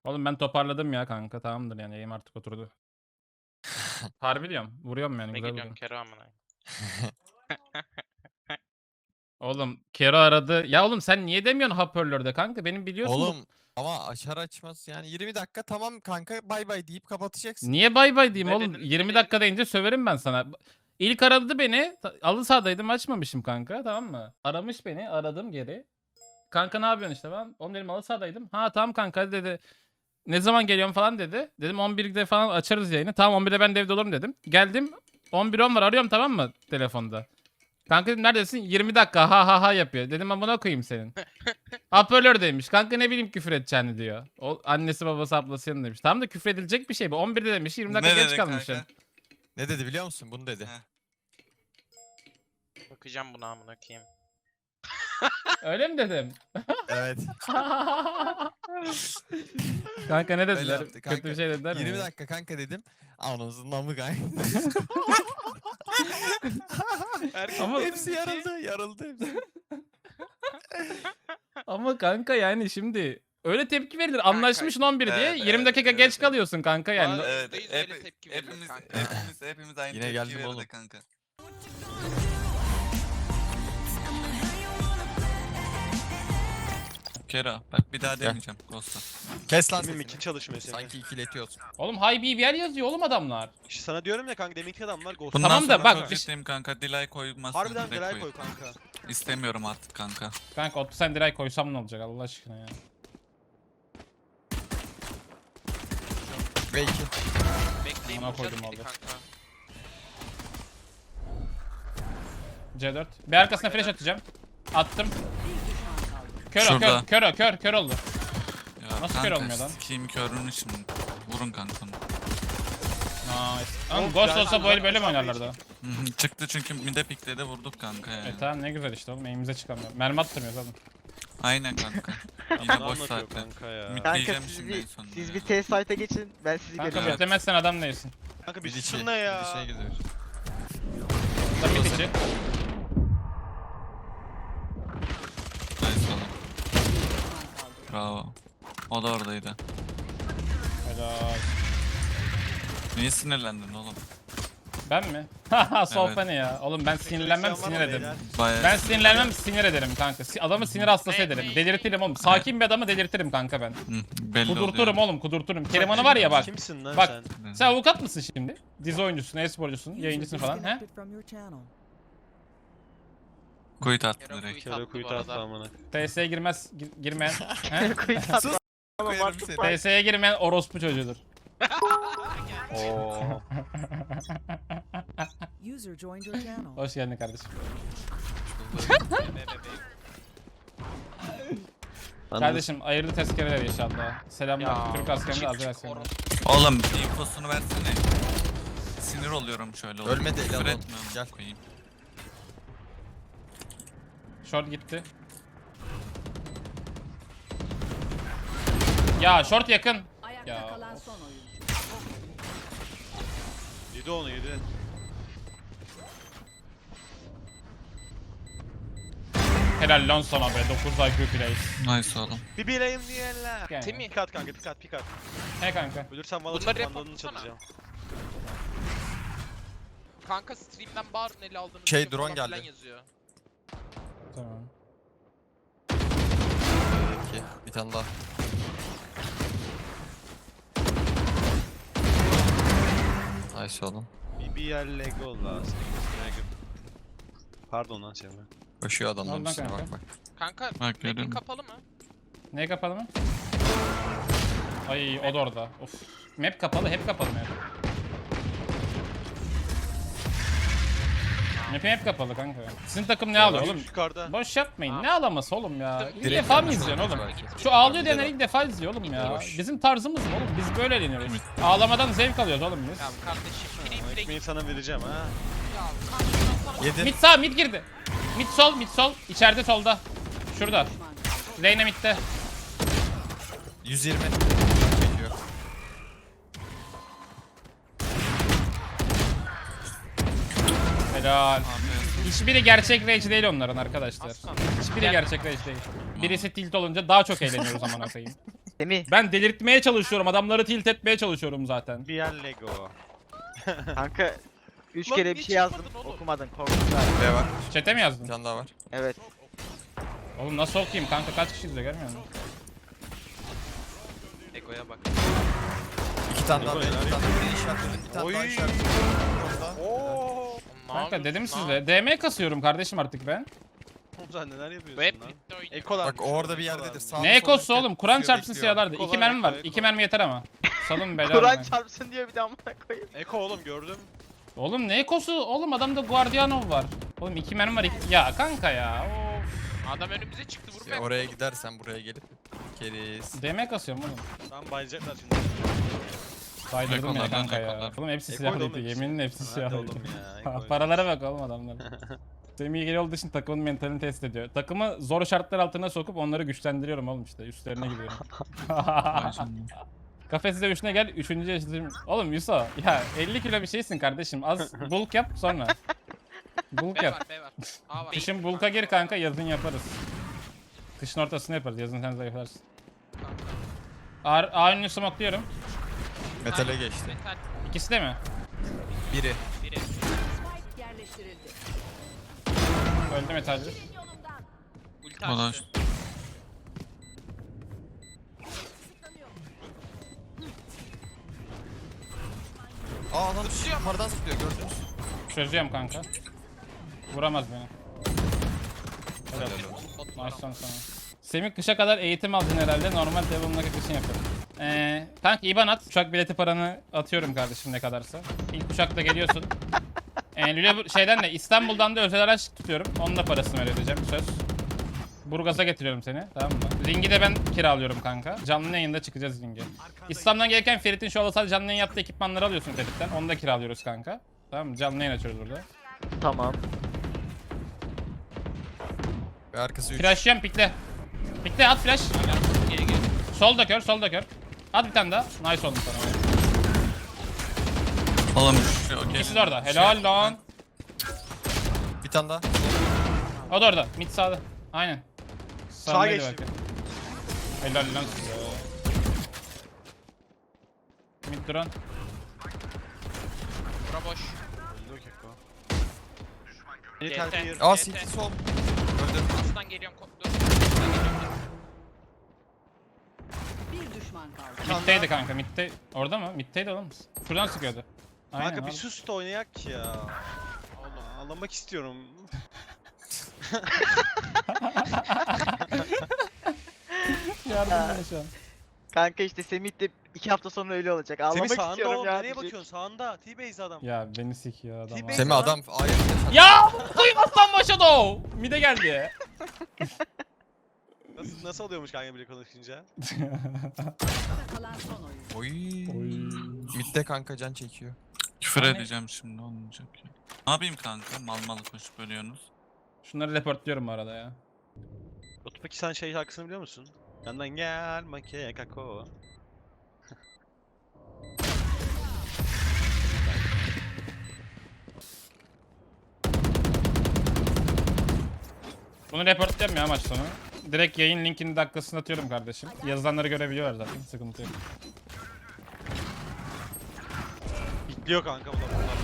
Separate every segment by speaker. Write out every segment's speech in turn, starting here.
Speaker 1: Oğlum ben toparladım ya kanka. Tamamdır yani yayım artık oturdu. Harbi diyorum. Vuruyorum yani
Speaker 2: Ne
Speaker 1: güzel
Speaker 2: gidiyorum
Speaker 1: vuruyorum.
Speaker 2: Kero amına.
Speaker 1: Oğlum Kero aradı. Ya oğlum sen niye demiyorsun hoparlörde kanka? Benim biliyorsun bu.
Speaker 3: Oğlum ama açar açmaz yani 20 dakika tamam kanka bay bay deyip kapatacaksın.
Speaker 1: Niye bay bay diyeyim
Speaker 2: Ne
Speaker 1: oğlum?
Speaker 2: dedin?
Speaker 1: 20
Speaker 2: Ne
Speaker 1: dakika deyince söverim ben sana. İlk aradı beni. Alı sahadaydım açmamışım kanka, tamam mı? Aramış beni, aradım geri. Kanka ne yapıyorsun işte ben? Oğlum dedim halı sahadaydım. Ha tamam kanka dedi. Ne zaman geliyorum falan dedi. Dedim 11'de falan açarız yayını. Tamam 11'de ben de evde olurum dedim. Geldim 11.10 var, arıyorum tamam mı telefonda. Kanka dedim neredesin? 20 dakika ha ha ha yapıyor. Dedim amına koyayım senin. Hoparlördeymiş. Kanka ne bileyim küfür edeceğini diyor. O annesi babası ablası yanında demiş. Tamam da küfür edilecek bir şey bu. 11'de demiş 20 dakika
Speaker 4: Ne
Speaker 1: geç
Speaker 4: dedi
Speaker 1: kalmışsın.
Speaker 4: kanka?
Speaker 3: Ne dedi biliyor musun? Bunu dedi.
Speaker 4: Heh.
Speaker 2: Bakacağım buna amına koyayım.
Speaker 1: Öyle mi dedim?
Speaker 3: Evet.
Speaker 1: Kanka ne
Speaker 3: Öyle
Speaker 1: dediler?
Speaker 3: yaptı kanka.
Speaker 1: Kötü bir şey dediler mi?
Speaker 3: 20 dakika kanka dedim. Anasının namı kanka.
Speaker 1: Ama-
Speaker 3: Hepsi yarıldı. Yarıldı hepsi.
Speaker 1: Ama kanka yani şimdi öyle tepki verilir. Anlaşmışsın 11 diye.
Speaker 4: Evet,
Speaker 1: 20 dakika
Speaker 4: evet,
Speaker 1: geç
Speaker 4: evet.
Speaker 1: kalıyorsun kanka yani.
Speaker 2: Aa,
Speaker 4: Evet,
Speaker 2: %100 öyle tepki verilir kanka.
Speaker 4: hepimiz aynı
Speaker 3: Yine
Speaker 4: tepki
Speaker 3: geldim
Speaker 4: verirdi
Speaker 3: oğlum.
Speaker 4: kanka. Kera bak bir daha demeyeceğim Ghost'a.
Speaker 3: Kes lan
Speaker 5: Benim
Speaker 3: sesini.
Speaker 5: iki çalışmıyor senin.
Speaker 3: Sanki ikiletiyorsun.
Speaker 1: Oğlum high BBL yazıyor oğlum adamlar.
Speaker 5: İşte sana diyorum ya kanka deminki adamlar Ghost.
Speaker 4: Bundan
Speaker 1: Tamam da
Speaker 4: sonra
Speaker 1: bak,
Speaker 4: çok
Speaker 1: bir-
Speaker 4: ciddiyim kanka. Delay koymazsan
Speaker 5: Harbiden
Speaker 4: direkt
Speaker 5: delay koy kanka.
Speaker 4: İstemiyorum artık kanka.
Speaker 1: Kanka 30 sen direkt koysam ne olacak Allah aşkına ya.
Speaker 3: Ve 2.
Speaker 2: Bekleyip
Speaker 1: Amına
Speaker 2: vuracağız
Speaker 1: koydum
Speaker 2: midi
Speaker 1: oldu.
Speaker 2: kanka.
Speaker 1: C4. Bir arkasına flash atacağım. Attım. Kör o,
Speaker 4: Şurada.
Speaker 1: kör oldu.
Speaker 4: Ya
Speaker 1: Nasıl
Speaker 4: kanka,
Speaker 1: kör olmuyor lan?
Speaker 4: Sikeyim körünün için. Vurun kanka.
Speaker 1: Nice. Ama
Speaker 5: Oğlum,
Speaker 1: Ghost
Speaker 5: ben-
Speaker 1: olsa böyle böyle mi oynarlardı?
Speaker 4: Hı hı, çıktı çünkü mide pikledi vurduk kanka yani.
Speaker 1: Tamam ne güzel işte oğlum eğimize çıkamıyor. Mermi attırmıyoruz oğlum.
Speaker 4: Aynen kanka.
Speaker 5: Ne
Speaker 4: Yine boş
Speaker 5: anlatıyor
Speaker 4: saatte.
Speaker 5: kanka ya.
Speaker 4: Mid-
Speaker 6: Kanka
Speaker 4: Diyeceğim
Speaker 6: siz
Speaker 4: şimdi
Speaker 6: bir,
Speaker 4: en sonunda
Speaker 6: siz
Speaker 4: ya.
Speaker 6: bir test site'a geçin ben sizi
Speaker 1: Kanka
Speaker 6: görüyorum.
Speaker 1: beklemezsen adam değilsin.
Speaker 5: Kanka bir
Speaker 3: Bir içi.
Speaker 5: susun ne ya?
Speaker 3: Bir şey gidiyor.
Speaker 1: Tabii içi.
Speaker 4: Nice oğlum. Bravo. O da oradaydı.
Speaker 1: Helal.
Speaker 4: Niye sinirlendin oğlum?
Speaker 1: Ben mi? Haha sohbet
Speaker 4: Evet.
Speaker 1: ne ya? Oğlum ben sinirlenmem
Speaker 5: Var mı
Speaker 1: sinir ederim.
Speaker 5: beyler?
Speaker 4: Bayağı
Speaker 1: Ben sinirlenmem sinir ederim kanka. Adamı sinir hastası ederim. Delirtirim oğlum. Sakin bir adamı delirtirim kanka ben.
Speaker 4: Hı, belli
Speaker 1: Kudurturum
Speaker 4: oluyor.
Speaker 1: oğlum kudurturum. Keriman'ı var ya bak.
Speaker 5: Kimsin lan
Speaker 1: Bak.
Speaker 5: sen?
Speaker 1: Sen avukat mısın şimdi? Dizi oyuncusun, e-sporcusun, yayıncısın falan he?
Speaker 4: Kuyut attı
Speaker 2: Kero
Speaker 4: direkt.
Speaker 2: kuyut attı
Speaker 5: Kere
Speaker 2: bu
Speaker 5: kuyut
Speaker 2: arada.
Speaker 5: attı amına.
Speaker 1: TS'ye girmez, girmeyen. he?
Speaker 3: Sus. Koyarım seni.
Speaker 1: TS'ye girmeyen orospu çocuğudur.
Speaker 5: Oo.
Speaker 7: User joined your channel.
Speaker 1: Hoş geldin kardeşim. Kardeşim hayırlı tezkereler inşallah. Selamlar.
Speaker 2: Ya,
Speaker 1: Türk askerinde
Speaker 2: küçük
Speaker 1: azı versin.
Speaker 4: Oğlum infosunu versene. Sinir oluyorum şöyle. oğlum.
Speaker 3: Ölmedi, el
Speaker 4: Küfür
Speaker 3: alalım.
Speaker 4: etmiyorum,
Speaker 3: Gel.
Speaker 4: koyayım.
Speaker 1: Short gitti. Ya short yakın.
Speaker 7: Ayakta
Speaker 1: Ya,
Speaker 7: kalan
Speaker 1: of.
Speaker 7: son oyuncu.
Speaker 5: Yedi onu yedi.
Speaker 1: Helal lan sana be. 9 IQ plays.
Speaker 4: Nice oğlum.
Speaker 5: Bir bileyim diyenler.
Speaker 1: Yani.
Speaker 2: Temi.
Speaker 5: Pik at kanka pik at pik at.
Speaker 1: He kanka.
Speaker 5: Ölürsem valla
Speaker 2: Bunları
Speaker 5: çok bandalını
Speaker 2: yapmasana.
Speaker 5: çalacağım.
Speaker 2: Kanka stream'den bağırın ele aldığınız
Speaker 3: Şey,
Speaker 2: video
Speaker 3: drone
Speaker 2: falan filan
Speaker 3: geldi.
Speaker 2: yazıyor.
Speaker 1: Tamam.
Speaker 3: 2. Bir tane daha. Nice oğlum.
Speaker 5: BBL Lego lazım. Pardon lan Cemre.
Speaker 3: Koşuyor adamların
Speaker 1: Ondan
Speaker 3: üstüne
Speaker 1: kanka.
Speaker 3: bak bak.
Speaker 2: Kanka
Speaker 4: Bak
Speaker 2: map'in
Speaker 4: görüyorum.
Speaker 2: kapalı mı?
Speaker 1: Ne kapalı mı? Ay o da orada. Of. Map kapalı, hep kapalı map. Map'im hep kapalı kanka. Sizin takım ne alıyor oğlum?
Speaker 5: Yukarıda.
Speaker 1: Boş yapmayın. Ne ağlaması oğlum ya? İlk
Speaker 3: Direkt
Speaker 1: defa mı
Speaker 3: yanlış
Speaker 1: izliyorsun oğlum?
Speaker 3: olmuş belki.
Speaker 1: Şu ağlıyor diyenler ilk defa izliyor oğlum ya.
Speaker 3: Boş.
Speaker 1: Bizim tarzımız mı oğlum? Biz böyle eğleniyoruz. Ağlamadan zevk alıyoruz oğlum biz.
Speaker 2: Ya kardeşim free play.
Speaker 5: Ekmeği sana vereceğim ha.
Speaker 2: Ya kanka sana
Speaker 3: 7.
Speaker 1: Mid sağ, mid girdi. Mid sol, mid sol. İçeride solda. Şurada. Reyna midde.
Speaker 3: 120. Çekiyor.
Speaker 1: Helal.
Speaker 4: Abi,
Speaker 1: Hiçbiri gerçek rage değil onların arkadaşlar.
Speaker 2: Aslan.
Speaker 1: Hiçbiri gerçek rage değil. Birisi tilt olunca daha çok eğleniyoruz aman koyayım.
Speaker 6: Semih
Speaker 1: Ben delirtmeye çalışıyorum. Adamları tilt etmeye çalışıyorum zaten.
Speaker 5: Bir yer Lego.
Speaker 6: kanka 3
Speaker 2: Lan
Speaker 6: kere bir
Speaker 2: niye
Speaker 6: şey yazdım
Speaker 2: çıkmadın oğlum?
Speaker 6: okumadın korktun galiba.
Speaker 3: B var.
Speaker 1: Chat'e mi
Speaker 3: Bir
Speaker 1: yazdın?
Speaker 3: tane daha var.
Speaker 6: Evet.
Speaker 1: Oğlum nasıl okuyayım kanka, kaç kişi izliyor görmüyor musun?
Speaker 2: Ego'ya bak.
Speaker 3: 2 tane daha B.
Speaker 5: Ego,
Speaker 3: 2 tane daha B işaretledim. Bir tane
Speaker 5: Oy.
Speaker 3: daha işaretledim. Orada.
Speaker 5: Ooo.
Speaker 1: Kanka dedim size. DM kasıyorum kardeşim artık ben.
Speaker 5: Oğlum sen neler yapıyorsun
Speaker 2: Bu hep
Speaker 5: lan?
Speaker 2: bitti oyun.
Speaker 5: Ekolar.
Speaker 3: Bak o orada bir yerdedir. Sağ
Speaker 1: Ne ekosu oğlum? Kur'an çarpsın siyahlarda.
Speaker 5: Eko
Speaker 1: 2
Speaker 5: var,
Speaker 1: mermi
Speaker 5: eko,
Speaker 1: var.
Speaker 5: eko.
Speaker 1: 2 mermi yeter ama. Salın beyler.
Speaker 6: Kur'an çarpsın diyor bir de amına koyayım.
Speaker 5: Eko oğlum gördüm.
Speaker 1: Oğlum ne ekosu? Oğlum adamda Guardianov var. Oğlum 2 mermi var. Ya kanka ya. Of.
Speaker 2: Adam önümüze çıktı vurmaya.
Speaker 3: Ya oraya gidersen buraya gelip keriz.
Speaker 1: DM kasıyorum oğlum.
Speaker 5: Tam bayılacaklar şimdi.
Speaker 1: Saydırdım ya
Speaker 4: Ekolar,
Speaker 1: kanka ya.
Speaker 4: ekolar.
Speaker 1: Oğlum hepsi
Speaker 5: Ekoydu
Speaker 1: silahlıydı.
Speaker 5: oğlum hepsi.
Speaker 1: Yeminle hepsi
Speaker 5: Hadi
Speaker 1: silahlıydı.
Speaker 5: oğlum ya. Ekoydu.
Speaker 1: Paralara bak oğlum adamlar. Semih ilgili olduğu için takımın mentalini test ediyor. Takımı zor şartlar altına sokup onları güçlendiriyorum oğlum işte. Üstlerine gidiyorum.
Speaker 4: Vay canına.
Speaker 1: Kafesinde üstüne gel. 3. yaşındayım. Oğlum Yuso ya 50 kilo bir şeysin kardeşim. Az bulk yap sonra. Bulk
Speaker 2: B
Speaker 1: yap.
Speaker 2: var B var. A var.
Speaker 1: Kışın bulka gir kanka, yazın yaparız. Kışın ortasını yaparız, yazın sen zayıflarsın. A önünü smokluyorum.
Speaker 3: Metale geçti.
Speaker 2: Metal.
Speaker 1: İkisi de mi?
Speaker 3: Biri.
Speaker 2: Biri.
Speaker 7: Yerleştirildi.
Speaker 1: Öldü metalci.
Speaker 2: Ulti
Speaker 4: Ulan
Speaker 2: açtı.
Speaker 3: Aa lan yukarıdan zıplıyor gördünüz.
Speaker 1: Çözüyorum kanka. Vuramaz beni. Helal.
Speaker 3: Helal
Speaker 1: Nice son sana. Semih kışa kadar eğitim aldın herhalde. Normal devamlı kışın yapıyorum. Kanka IBAN at. Uçak bileti paranı atıyorum kardeşim ne kadarsa. İlk uçakla geliyorsun. Şeyden de İstanbul'dan da özel araç tutuyorum. Onun da parasını ödeyeceğim söz. Burgaz'a getiriyorum seni, tamam mı? Ring'i de ben kiralıyorum kanka. Canlı yayında çıkacağız ring'e. İslam'dan gelirken Ferit'in şu sadece canlı yayın yaptığı ekipmanları alıyorsun Ferit'ten. Onu da kiralıyoruz kanka. Tamam mı? Canlı yayın açıyoruz burada.
Speaker 6: Tamam.
Speaker 3: Ve arkası 3.
Speaker 1: Flash'lıyorum, pikle. Pikle, at flash.
Speaker 2: Geri geri.
Speaker 1: Sol da kör, sol da kör. At bir tane daha. Nice oldu sana.
Speaker 4: Oğlum şu okey.
Speaker 1: İkisi de orada. Helal lan.
Speaker 3: Bir tane daha.
Speaker 1: O da orada. Mid sağda. Aynen.
Speaker 5: Sağa
Speaker 1: Sağdaydı
Speaker 5: geçti.
Speaker 1: belki. Helal lan size. Mid duran.
Speaker 2: Bura boş.
Speaker 5: Öldü o Eko. Beni
Speaker 2: GT.
Speaker 5: terk ediyor.
Speaker 3: Aa
Speaker 2: GT.
Speaker 3: CT sol. Öldü.
Speaker 2: Aslan geliyorum. Dur. Aslan geliyorum.
Speaker 7: Bir düşman kaldı.
Speaker 1: Mid'deydi kanka. Mid'de. Orada mı? Mid'deydi oğlum. Şuradan sıkıyordu. Aynen.
Speaker 5: Kanka bir
Speaker 1: abi.
Speaker 5: sus da oynayak ya. Oğlum ağlamak istiyorum.
Speaker 1: Yardım bana şu an.
Speaker 6: Kanka işte Semih de 2 hafta sonra öyle olacak. Ağlamak
Speaker 5: Semih sağında
Speaker 6: istiyorum
Speaker 5: oğlum.
Speaker 6: ya.
Speaker 5: Nereye
Speaker 6: diyecek.
Speaker 5: bakıyorsun? Sağında. T-base adam.
Speaker 1: Ya beni sikiyor adam.
Speaker 5: T-Base
Speaker 1: abi.
Speaker 3: Semih adam A'ya
Speaker 1: Ya duymazsan başa doğu. Mid'e geldi.
Speaker 5: Nasıl oluyormuş kanka bile konuşunca?
Speaker 7: Kalan son oyun.
Speaker 3: Oy. Mid'de kanka can çekiyor.
Speaker 4: Küfür edeceğim şimdi olmayacak ya. Ne yapayım kanka? Mal mal koşup ölüyorsunuz.
Speaker 1: Şunları reportluyorum bu arada ya.
Speaker 5: Batu peki sen şey şarkısını biliyor musun? Yandan gel make kako.
Speaker 1: Bunu reportluyorum ya maç sonu. Direkt yayın linkini dakikasını atıyorum kardeşim. Yazılanları görebiliyorlar zaten. Sıkıntı yok.
Speaker 5: Bitliyor kanka bu da bunlar.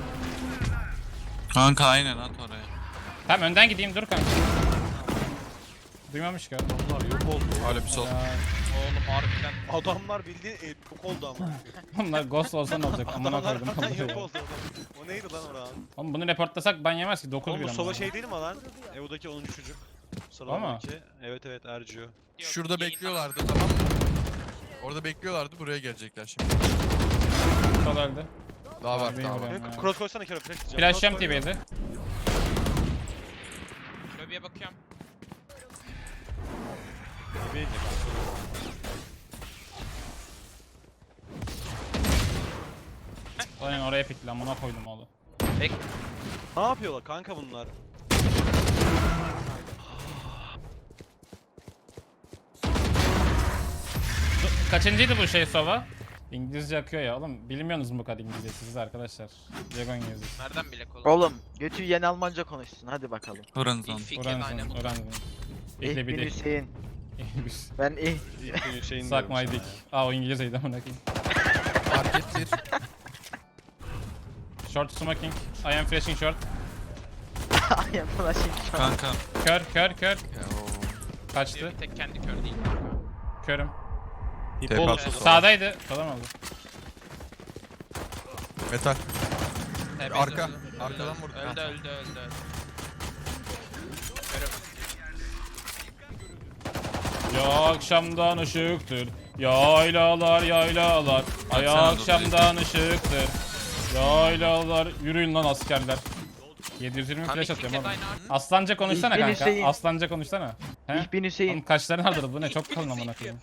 Speaker 4: Kanka aynen at oraya.
Speaker 1: Tamam önden gideyim dur kanka. Duymamış ki adam.
Speaker 5: Bunlar yok oldu.
Speaker 3: Hala bir sol.
Speaker 1: Ya,
Speaker 2: Oğlum harbiden.
Speaker 5: Adamlar bildiğin yok oldu ama.
Speaker 1: bunlar ghost olsa ne olacak? Amına
Speaker 5: Adamlar
Speaker 1: koydum.
Speaker 5: harbiden
Speaker 1: onları
Speaker 5: yok
Speaker 1: ya.
Speaker 5: oldu. O neydi lan oran?
Speaker 1: Oğlum bunu reportlasak ban yemez ki 9
Speaker 5: Oğlum
Speaker 1: bir
Speaker 5: bu
Speaker 1: ama.
Speaker 5: solo şey değil mi lan? Evo'daki 10. çocuk. Sıralamaki. Evet evet Ercü.
Speaker 2: Yok,
Speaker 3: Şurada
Speaker 2: yayından-
Speaker 3: bekliyorlardı tamam mı? Orada bekliyorlardı buraya gelecekler şimdi.
Speaker 1: Sol öldü.
Speaker 3: Daha var
Speaker 1: Harbi
Speaker 3: daha var.
Speaker 1: vuruyorum ya.
Speaker 5: Cross koysana kere flash diyeceğim.
Speaker 1: Flash'cam
Speaker 5: Cross koy.
Speaker 1: TV'de.
Speaker 2: Lobiye bakıyorum.
Speaker 5: TV'ye gir kanka.
Speaker 1: Aynen oraya pikli amına koydum oğlum.
Speaker 2: Bek.
Speaker 5: Ne yapıyorlar kanka bunlar?
Speaker 1: Kaçıncıydı bu şey Sova? İngilizce akıyor ya oğlum. Bilmiyorsunuz mu bu kadar İngilizce siz arkadaşlar? Dragon İngilizcesi.
Speaker 2: Nereden bilek oğlum?
Speaker 6: Oğlum götü yeni Almanca konuşsun hadi bakalım.
Speaker 4: Horizon.
Speaker 2: İlk fikir aynen.
Speaker 1: Öğrensin. İkle
Speaker 6: İlk
Speaker 1: bir
Speaker 6: bin
Speaker 1: de.
Speaker 6: Hüseyin. Ben iyi.
Speaker 5: İlk Hüseyin
Speaker 1: Suck
Speaker 5: diyorum
Speaker 1: my
Speaker 5: sana
Speaker 1: dick.
Speaker 5: ya.
Speaker 1: Aa o İngilizceydi amına koyayım.
Speaker 3: Market bir.
Speaker 1: Short smoking. I am flashing short.
Speaker 6: Ay flashing şu an.
Speaker 4: Kanka.
Speaker 1: Kör.
Speaker 3: Ya o.
Speaker 1: Kaçtı.
Speaker 2: Bir tek kendi kör değil.
Speaker 1: Körüm.
Speaker 5: İp
Speaker 4: Tek
Speaker 5: oldu.
Speaker 4: atsa
Speaker 1: Sağdaydı. Falan oldu.
Speaker 3: Metal.
Speaker 2: Tebrik
Speaker 3: Arka.
Speaker 2: ederim.
Speaker 3: Arkadan vurdu.
Speaker 2: Öldü.
Speaker 1: Ya akşamdan ışıktır. Yaylalar. Ay
Speaker 4: Baksana
Speaker 1: akşamdan ışıktır. Yaylalar. Yürüyün lan askerler. 720
Speaker 2: Kanka
Speaker 1: flash
Speaker 2: iki
Speaker 1: atıyorum
Speaker 2: kez
Speaker 1: oğlum.
Speaker 2: aynı art.
Speaker 1: Aslanca konuşsana
Speaker 6: İlk beni
Speaker 1: kanka.
Speaker 6: Hüseyin.
Speaker 1: Aslanca konuşsana. He?
Speaker 6: İhbin
Speaker 1: Oğlum
Speaker 6: Hüseyin.
Speaker 1: kaşların vardır bu ne çok kalın amına koyayım.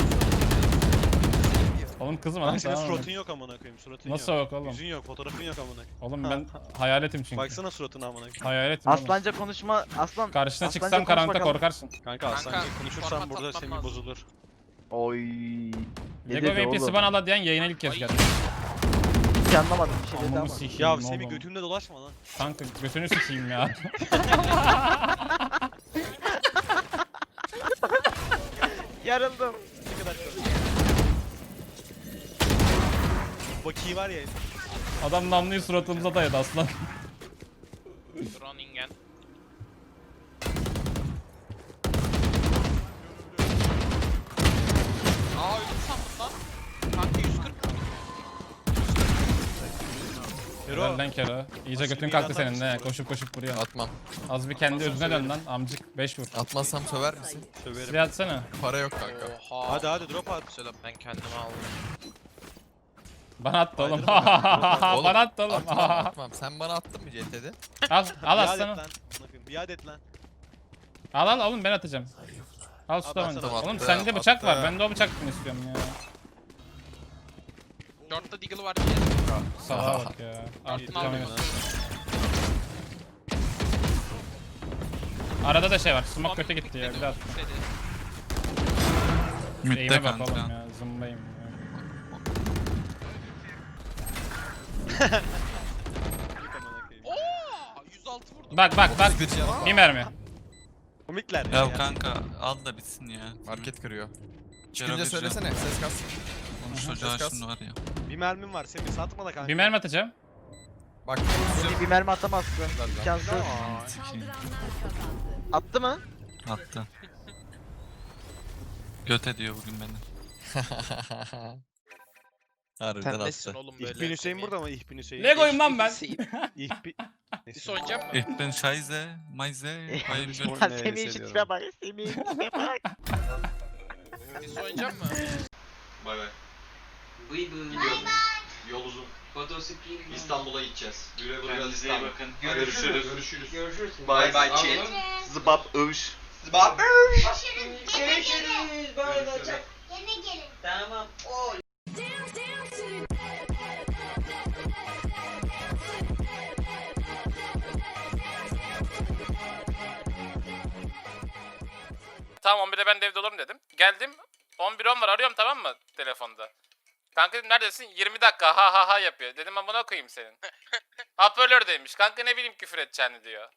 Speaker 1: Oğlum kızım adam
Speaker 5: Lan senin
Speaker 1: tamam.
Speaker 5: suratın yok amına koyayım. Suratın
Speaker 1: Nasıl
Speaker 5: yok.
Speaker 1: yok oğlum?
Speaker 5: Yüzün yok, fotoğrafın yok amına koyayım.
Speaker 1: Oğlum ben hayaletim çünkü.
Speaker 5: Baksana suratına amına koyayım.
Speaker 1: Hayaletim oğlum.
Speaker 6: Aslanca konuşma. Aslan.
Speaker 1: Karşına
Speaker 6: aslanca
Speaker 1: çıksam
Speaker 6: konuş
Speaker 1: karanlıkta
Speaker 6: bakalım.
Speaker 1: korkarsın.
Speaker 5: Kanka aslancı konuşursan
Speaker 2: format
Speaker 5: burada
Speaker 2: atlatmaz.
Speaker 5: Semih bozulur.
Speaker 6: Oy. Ne
Speaker 1: Lego
Speaker 6: dedi
Speaker 1: VP'si
Speaker 6: oğlum?
Speaker 1: bana ala diyen yayına ilk kez geldi.
Speaker 6: Hiç anlamadım bir şey dedi
Speaker 1: Amımı
Speaker 6: ama.
Speaker 1: sikeyim
Speaker 5: Ya
Speaker 1: oğlum.
Speaker 5: Semih götümde dolaşma lan.
Speaker 1: Kanka götünü sikeyim ya.
Speaker 6: Yarıldım.
Speaker 5: Ne kadar çok. Baki var ya.
Speaker 1: Adam namluyu suratımıza dayadı aslan.
Speaker 2: Groningen. Aa öldüm sandım lan. Kanka 140.
Speaker 5: Hero.
Speaker 1: Önden kere. İyice
Speaker 5: Nasıl
Speaker 1: götün
Speaker 5: bir
Speaker 1: kalktı
Speaker 5: atar
Speaker 1: senin
Speaker 5: mısın
Speaker 1: ne?
Speaker 5: buraya?
Speaker 1: Koşup vuruyor.
Speaker 3: Atmam.
Speaker 1: Az bir kendi
Speaker 5: Atmazsan
Speaker 1: özüne dön
Speaker 5: söylerim.
Speaker 1: lan amcık 5 vur.
Speaker 3: Atmazsam söver misin?
Speaker 5: Söverim.
Speaker 1: Silah atsana.
Speaker 3: Para yok kanka.
Speaker 2: Oha.
Speaker 5: Hadi drop at.
Speaker 2: Söyle ben kendime aldım.
Speaker 1: Bana attı oğlum.
Speaker 5: Kaydırma
Speaker 3: Oğlum,
Speaker 1: Bana attı oğlum.
Speaker 3: Atmam. Sen bana attın mı CT'de?
Speaker 1: Al
Speaker 5: Biat et
Speaker 1: aslanı.
Speaker 5: lan. Amına koyayım, biat et lan.
Speaker 1: Al oğlum ben atacağım. Al şu
Speaker 5: Al,
Speaker 1: tabanca.
Speaker 5: atsana.
Speaker 1: Oğlum
Speaker 3: Attı,
Speaker 1: sende bıçak var.
Speaker 3: attı.
Speaker 1: Ben de o bıçaktan istiyorum ya.
Speaker 2: Short'ta Deagle var diye.
Speaker 1: Salaha bak ya. Artık
Speaker 2: Aldım.
Speaker 1: kamera. Arada da şey var. Smoke kötü gitti ya. Bir daha.
Speaker 4: Midde
Speaker 1: Eğime bak oğlum
Speaker 4: kanka.
Speaker 1: ya. Zımbayım ya.
Speaker 5: Yık amına koyayım.
Speaker 2: Oo 106 vurdum.
Speaker 1: Bak.
Speaker 3: 31 canım.
Speaker 1: Bir mermi.
Speaker 5: Komikler
Speaker 4: Ya kanka al da bitsin ya.
Speaker 3: Market kırıyor.
Speaker 4: Cero
Speaker 3: Çıkınca
Speaker 4: bir can.
Speaker 3: söylesene. Ses kas.
Speaker 4: Konuş çocuğa
Speaker 3: Ses
Speaker 4: şimdi var ya.
Speaker 5: Bir mermim var Semih satma da kanka.
Speaker 1: Bir mermi atacağım.
Speaker 3: Bak.
Speaker 6: Seni bir mermi atamazsın. İmkansız.
Speaker 4: Sikeyim.
Speaker 7: Saldıranlar kazandı.
Speaker 6: Attı mı?
Speaker 4: Attı. Göt ediyor bugün beni.
Speaker 3: Harbiden
Speaker 2: Sen nesin
Speaker 3: attı.
Speaker 2: oğlum böyle?
Speaker 5: İhbin Hüseyin burada mı İhbin Hüseyin?
Speaker 1: Lego'yum lan ben.
Speaker 5: İhbin...
Speaker 2: Dis oynayacak mı?
Speaker 4: Ich bin Scheiße, Meise, hayır
Speaker 5: Hiç
Speaker 4: göt.
Speaker 5: bu-
Speaker 6: Ya
Speaker 5: ne
Speaker 6: Semih şu
Speaker 5: hissediyorum.
Speaker 6: tipe bak. Semih şu tipe bak.
Speaker 2: Dis oynayacak mı?
Speaker 8: Bay bay. Yol uzun. İstanbul'a gideceğiz. Güle güle
Speaker 9: Kendinize iyi bakın.
Speaker 8: Görüşürüz.
Speaker 9: Görüşürüz.
Speaker 8: Bay bay chat.
Speaker 6: Zıbap övüş.
Speaker 9: Görüşürüz. Bay bay.
Speaker 8: Yine gelin.
Speaker 9: Tamam.
Speaker 1: Tamam 11'de ben de evde olurum dedim. Geldim 11.10 var arıyorum tamam mı telefonda. Kanka dedim neredesin? 20 dakika ha yapıyor. Dedim amına koyayım senin. Hoparlördeymiş. Kanka ne bileyim küfür edeceğini diyor.